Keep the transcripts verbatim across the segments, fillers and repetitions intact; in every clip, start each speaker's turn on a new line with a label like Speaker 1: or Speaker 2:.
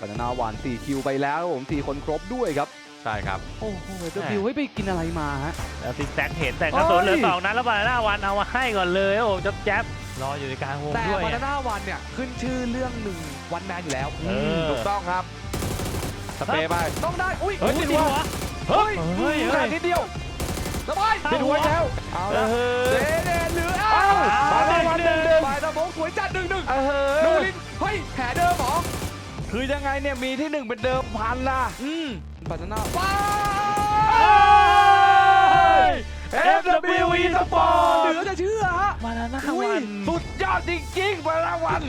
Speaker 1: บานาน่าวันสี่คิวไปแล้วครับผมสี่คนครบด้วยครับ
Speaker 2: ใช่ครับ
Speaker 1: โอ้โหเดบิวให้ไปกินอะไรมาฮะ
Speaker 3: แล้วซิกแซกเห็นแต่กระสุนเหลือสองนัดแล้วบานาน่าวันเอามาให้ก่อนเลยโอ้โหจ๊บแจ๊บรออยู่ในกลางวง
Speaker 1: แต่
Speaker 3: ด้วย
Speaker 1: บานาน่าวันเนี่ยขึ้นชื่อเรื่องหนึ่งวันแมนอยู่แล้ว
Speaker 3: เออ
Speaker 2: ถูกต้องครับสเปรย์ไป
Speaker 1: ต้องได้อุ้ย
Speaker 3: เฮ้ย
Speaker 1: อุ้
Speaker 3: ติดหัว
Speaker 1: เฮ้ย
Speaker 3: เฮ้ยเฮ้ย
Speaker 1: แต่นิดเดียวสบาย
Speaker 2: ติดหัวแล้ว
Speaker 1: เอา
Speaker 3: เอ
Speaker 1: ละ
Speaker 3: อ
Speaker 1: เดเดหรือ
Speaker 2: เอ้า
Speaker 1: เอ้า
Speaker 2: บานาน่าวันหนึ่งหนึ่ง
Speaker 1: ฝ่ายตะบงสวยจัดหนึ่งหนึ่ง
Speaker 2: เอ
Speaker 1: นู
Speaker 2: อ
Speaker 1: รินเฮ้ยแผลเดิมเหรอ
Speaker 2: คือยังไงเนี่ยมีที่หนึ่งเป็นเดิมพันล่ะ
Speaker 1: อืมบานาน่าว้า
Speaker 2: เอฟ ดับเบิลยู อี Sport
Speaker 1: เหลือจะเชื่อฮะ
Speaker 3: บานาน่า
Speaker 1: อุ้ย
Speaker 3: วัน
Speaker 2: สุดยอดจริงๆบานาน่าวัน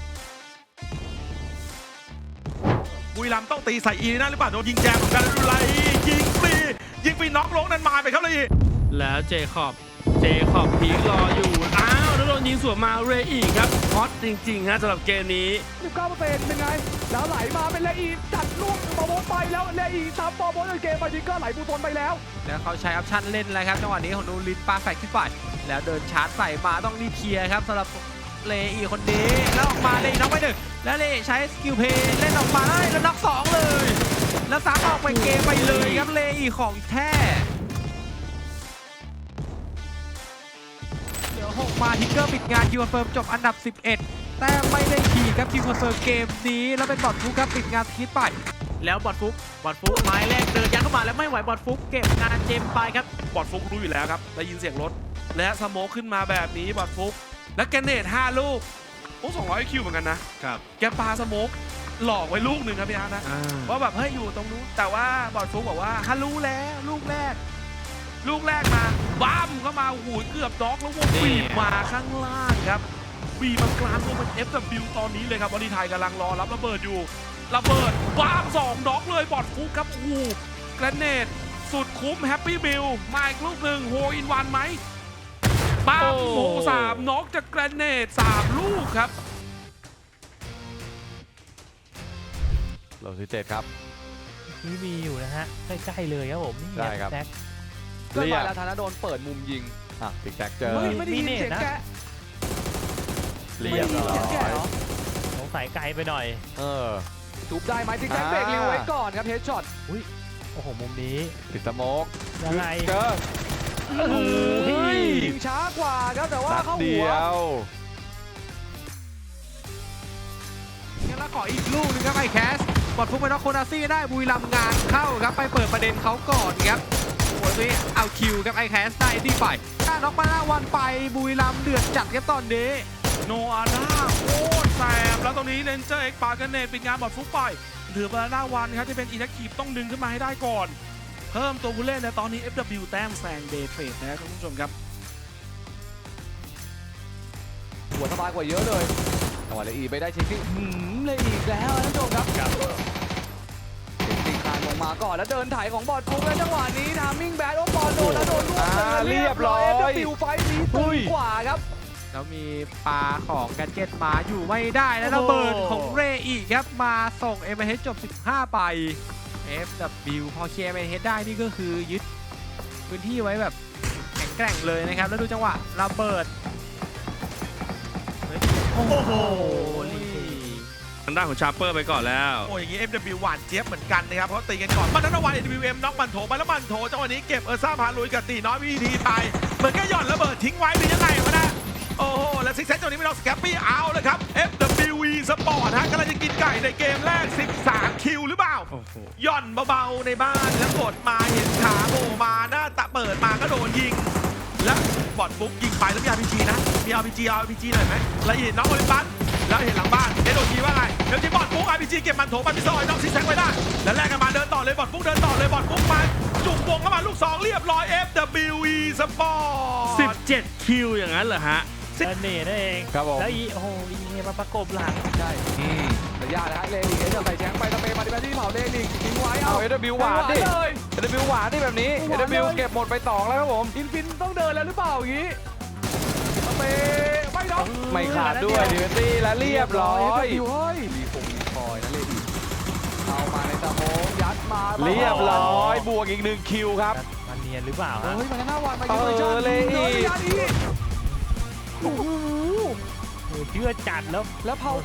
Speaker 4: บุรีรัมย์ต้องตีใส่อีนะหรือเปล่าโดนยิงแจมเหมือนกันแล้วดูไรยิงฟรียิงฟรีน็อกลงนันมาไปครับเลย
Speaker 5: แล้วเจคอบ เจคอบพีครออยู่ อ้าว แล้วโดนยิงสวนมาเรอีกครับฮอตจริงๆฮะสำหรับเกมนี้
Speaker 1: สิบเก้าเปอร์เซ็นต์เป็นไงแล้วไหลมาเป็นเลอีจัดลูกปอโบนไปแล้วเลอีซ้ำปอโบนในเกมมาจิงก็ไหลบูตนไปแล้ว
Speaker 6: แล้วเขาใช้ออปชั่นเล่นแล้วครับจังหวะนี้ของนูรินปาแฟกขึ้นไปแล้วเดินชาร์จใส่มาต้องรีบเคลียร์ครับสำหรับเลอีคนนี้แล้วออกมาเลอีน็อกไปหนึ่งแล้วเลใช้สกิลเพย์เล่นออกมาได้แล้วน็อกสองเลย แล้วซ้ำออกไปเกมไปเลยครับเลอีของแท้เหลือหกมาทิกเกอร์ปิดงานคิวคอนเฟิร์มจบอันดับสิบเอ็ดแต่ไม่ได้ขี่ครับคิวคอนเฟิร์มเกมนี้แล้วเป็นบอทฟุกครับปิดงานคิดไปแล้วบอทฟุกบอทฟุกไม้แรกเดินยัดเข้ามาแล้วไม่ไหวบอทฟุกเก็บงานเจมไปครับ
Speaker 4: บอดฟุกรู้อยู่แล้วครับได้ยินเสียงรถและสโมคขึ้นมาแบบนี้บอดฟุกและแกนเนตห้าลูกโอ้สองร้อยคิวเหมือนกันนะครับแกปาสโมคหลอกไว้ลูกหนึ่งครับพี่อาร์ตนะว่าแบบเฮ้ยอยู่ตรงนู้นแต่ว่าบอดฟุกบอกว่าฮัลรู้แล้วลูกแรก ลูกแรกมาบ้ามเข้ามาหูยเกือบด็อกแล้ววงบีบมาข้างล่างครับบีบมากลางวงเป็น เอฟ ดับเบิลยู ตอนนี้เลยครับบอลลีไทยกำลังรอรับระเบิดอยู่ระเบิดบ้ามสองด็อกเลยบอดฟุกครับโอ้โหแกรเนตสุดคุ้มแฮปปี้บิลมาอีกลูกหนึ่งโฮอินวันไหมบ้ามโหสามน็อกจากแกรเนตสามลูกครับ
Speaker 2: โลสิเจ็ดครับ
Speaker 3: นี่มีอยู่นะฮะใกล้ๆเลยครับผมนี่
Speaker 2: ได้ครับ
Speaker 3: แซก
Speaker 1: เกิดมาแล้วธนาโดนเปิดมุมยิง
Speaker 2: อ่ะติ๊กแท็กเจอ
Speaker 1: เฮ้ยไม่ได้ยิน
Speaker 3: มีเนต
Speaker 1: เสียง
Speaker 3: นะ
Speaker 1: แกะ
Speaker 2: เรียบร้
Speaker 1: ไม่ได้นเสีงแกะ
Speaker 2: อย
Speaker 1: เหรอ
Speaker 3: สงสัยไกลไปหน่อย
Speaker 2: เออ
Speaker 1: ทุบได้ไหมจิงแจ็ค
Speaker 2: อ่า
Speaker 1: เบรกเร็วไว้ก่อนครับเฮดช็อต
Speaker 3: โอ้โหมุมนี้
Speaker 2: ติดสโมก
Speaker 3: ยังไง
Speaker 2: เจอ
Speaker 3: โอ้โห
Speaker 1: ยิงช้ากว่าครับแต่ว่า
Speaker 2: นัด
Speaker 1: เข้า
Speaker 2: เดี
Speaker 1: หัว
Speaker 2: ยว
Speaker 6: งั้นแล้วขออีกลูกหนึงครับไอแคสบอดฟุกไปน็อกโคนาซี่ได้บุรีรัมย์งานเข้าครับไปเปิดประเด็นเขาก่อนครับโอ้ยนี่เอาคิวครับไอแคสได้ที่ไปถ้าน็อกมาหน้าวันไปบุรีรัมย์เดือดจัดครับตอนนี้
Speaker 4: โนอาน่าโคตรแสบแล้วตรงนี้เลนเจอร์เอ็กปากันเนตปิดงานบอดฟุกไปเหลือบานาน่าวันครับที่เป็นอินักขีบต้องดึงขึ้นมาให้ได้ก่อน เพิ่มตัวผู้เล่นในตอนนี้ เอฟ ดับเบิลยู แต้มแซงเดย์เทรดนะครับคุณผู้ชมครับ
Speaker 1: หัวสบายกว่าเยอะเลยจังหวะเลอีไปได้ชิคกี้หืมเลยอีกแล้วท่านผู้ชมครับติงคานลงมาก่อนแล้วเดินถ่ายของบอลฟุกแล้วจังหวะนี้ทามมิ่งแบดโอ้บอลโดนแล้วโดนลูก
Speaker 2: อ่าเรียบร้อย
Speaker 1: เอฟดับเบิลยูไฟท์นี้ตึงกว่าครับ
Speaker 6: แล้วมีปลาของแกดเจ็ตมาอยู่ไม่ได้แล้วระเบิดของเรอีกครับมาส่ง เอ็ม เอ เอช จบสิบห้าไป เอฟ ดับเบิลยู พอเคลียร์ เอ็ม เอ เอช ได้นี่ก็คือยึดพื้นที่ไว้แบบแข็งแกร่งเลยนะครับแล้วดูจังหวะระเบิดโอ้โห
Speaker 5: ทางด้านของชาร์เปอร์ไปก่อนแล้ว
Speaker 4: โอ้ยอย่างนี้ เอฟ ดับเบิลยู หวานเจี๊ยบเหมือนกันนะครับเพราะตีกันก่อนมันนั้นวัน เอ ดับเบิลยู เอ็ม น็อกมันโถไปแล้วมันโถจังหวะนี้เก็บเออร์ซ่าพาลุยกับตีน้อยวิธีไปเหมือนก็หย่อนระเบิดทิ้งไว้หรือยังไงวะนะโอ้โหแล้วซิกเซนตัวนี้ไม่ต้องสแคปปี้เอาเลยครับ เอฟ ดับเบิลยู Sport ฮะกำลังจะกินไก่ในเกมแรกสิบสามคิวหรือเปล่า
Speaker 5: โอ้โห
Speaker 4: หย่อนเบาๆในบ้านแล้วกดมาเห็นขาโผล่มาหน้าตะเปิดมาก็โดนยิงแล้วบอดปุ๊บยิงไปแล้วมี อาร์ พี จี นะมี อาร์ พี จี อาร์ พี จี หน่อยไหมแล้วเห็นน้องโอลิมปัสแล้วเห็นหลังบ้านเอ็ดโอทีว่าไงเดี๋ยวจีบอดปุ๊บ อาร์ พี จี เก็บมันโถไปพิซซอยน้องซิกแซกไว้ได้แล้วแลกกันมาเดินต่อเลยบอดปุ๊บเดินต่อเลยบอดปุ๊บมาจุ่มวงเข้ามาลูกสองเรียบร้อย เอฟ ดับเบิลยู อี Sport
Speaker 5: สิบเจ็ดคิวอย่างนั้นเหรอฮะ
Speaker 3: เดนเน่นั่นเอง
Speaker 2: ครับผม
Speaker 3: แล้วอีโอ้โหอีเมาประกบหลัง
Speaker 1: ใช่ระยะนะฮะเลนิกเอจะใส่แชงไปตะเมย์มาดิแบที่เผาเลนิกทิ้งไว้
Speaker 2: เอา
Speaker 1: เอา
Speaker 2: เอ ดับเบิลยู หวานดิ
Speaker 1: เลย
Speaker 2: เอ ดับเบิลยู หวานดิแบบนี้
Speaker 1: ห
Speaker 2: เอ
Speaker 1: วานเลย
Speaker 2: ดับเบิลยู เก็บหมดไปสองแล้วครับผม
Speaker 1: อินฟินต้องเดินแล้วหรือเปล่าอย่างนี้ตะเมย์ไม่น็อก
Speaker 2: ไม่ขาดด้วยดิเวนตี้และเรียบร้อย
Speaker 1: เฮ้ยรีคงรีคอยนะเลนิกเอามาในตะโมงยัดมา
Speaker 2: เรียบร้อยบวกอีกหนึ่งคิวครับ
Speaker 3: มันเนียนหรือเปล่า
Speaker 1: เฮ้
Speaker 3: ฮะ
Speaker 1: ยมันหน้าวันมา
Speaker 2: เออเลนิก
Speaker 1: เดินยัดอีกโอ้โห
Speaker 3: โอ้โหเชื่อจัดแล้ว
Speaker 1: แล้วเผาฝัน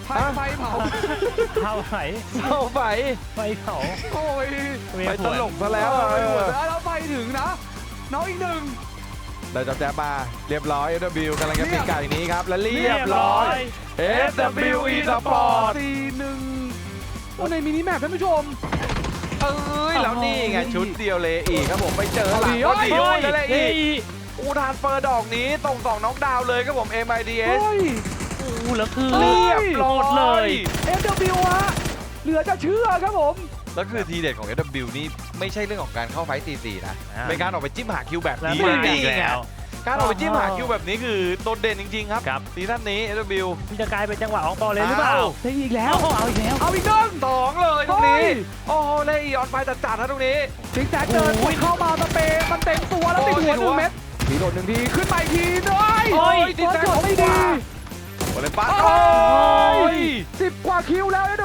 Speaker 1: ไฟไฟเผา
Speaker 3: เผาไหน
Speaker 2: เสาไฟ
Speaker 3: ไฟเผา
Speaker 1: โอ้ย
Speaker 3: เวีย
Speaker 2: ไป
Speaker 3: น
Speaker 2: ต
Speaker 3: หัว
Speaker 2: ลกซะแล้วอะเออ
Speaker 1: แล้วไปถึงนะ น้องอีกหนึ่ง
Speaker 2: ได้จับแจ๊บมาเรียบร้อย เอฟ ดับเบิลยู กำลังจะปิดการอย่างนี้ครับ และเรี
Speaker 3: เรี
Speaker 2: ย
Speaker 3: ย
Speaker 2: บบ ร้
Speaker 3: ร้
Speaker 2: อ
Speaker 3: อย ย
Speaker 2: เอฟ ดับเบิลยู Esport
Speaker 1: สี่หนึ่งโอ้ในมินิแมปท่านผู้ชม
Speaker 2: เอ้ย แล้วนี่ไง ชุดเดียวเลยอีกครับผม ไปเจอหลัง
Speaker 1: เอา
Speaker 2: ก็
Speaker 1: ดิ
Speaker 2: ดี
Speaker 1: เฮ้
Speaker 2: ด้วย
Speaker 1: ย
Speaker 2: แล้วเลยอีกอูทานเฟอร์ดอกนี้ตรงสองน็อกดาวน์เลยครับผม เอ็ม ไอ ดี เอส
Speaker 1: เฮ้ย
Speaker 3: อู้แล้วคือ
Speaker 2: เรียบร้อ
Speaker 3: หมดเลย
Speaker 1: เอฟดับเบิลยูฮะเหลือจะเชื่อครับผม
Speaker 2: แล้วคือทีเด็ดของ เอฟ ดับเบิลยู นี่ไม่ใช่เรื่องของการเข้าไฟต์สี่สี่นะ
Speaker 3: อ่า
Speaker 2: เป็นการออกไปจิ้มหาคิวแบบ
Speaker 3: แล้ว
Speaker 2: นี้
Speaker 3: มา
Speaker 2: นี่
Speaker 3: อีก
Speaker 2: ไง
Speaker 3: แล้ว
Speaker 2: การออกไปจิ้มหาคิวแบบนี้คือโดดเด่นจริง ๆ ครับ
Speaker 3: ครับ
Speaker 2: ซีซั่นนี้ เอฟ ดับเบิลยู
Speaker 3: ที่จะกลายเป็นจังหวะของบอลเลยหรือเปล่า
Speaker 2: อ้าว
Speaker 1: ได้อีกแล้ว
Speaker 3: เอาเอาอีกแล้ว
Speaker 1: เอาอีกหนึ่ง
Speaker 2: สองเลยตรงนี้
Speaker 1: เฮ้ย
Speaker 2: โอ้โหเลยอีออนไฟจัดๆนะตรงนี้
Speaker 1: ซิกแซกเดิน
Speaker 2: โอ้ย
Speaker 1: เข้ามาสเปย์มันเต็มตัวแล้วติดหัวหนึ่งเม็ดทีโดนหนึ่งทีขึ้นมาอีกทีด้วย
Speaker 2: โอ้ย
Speaker 1: โดนจดไม่ดี
Speaker 2: โอเลนปัส
Speaker 1: โอ้
Speaker 2: โอ้
Speaker 1: ย
Speaker 2: ย
Speaker 1: สิบกว่าคิวแล้วเอฟ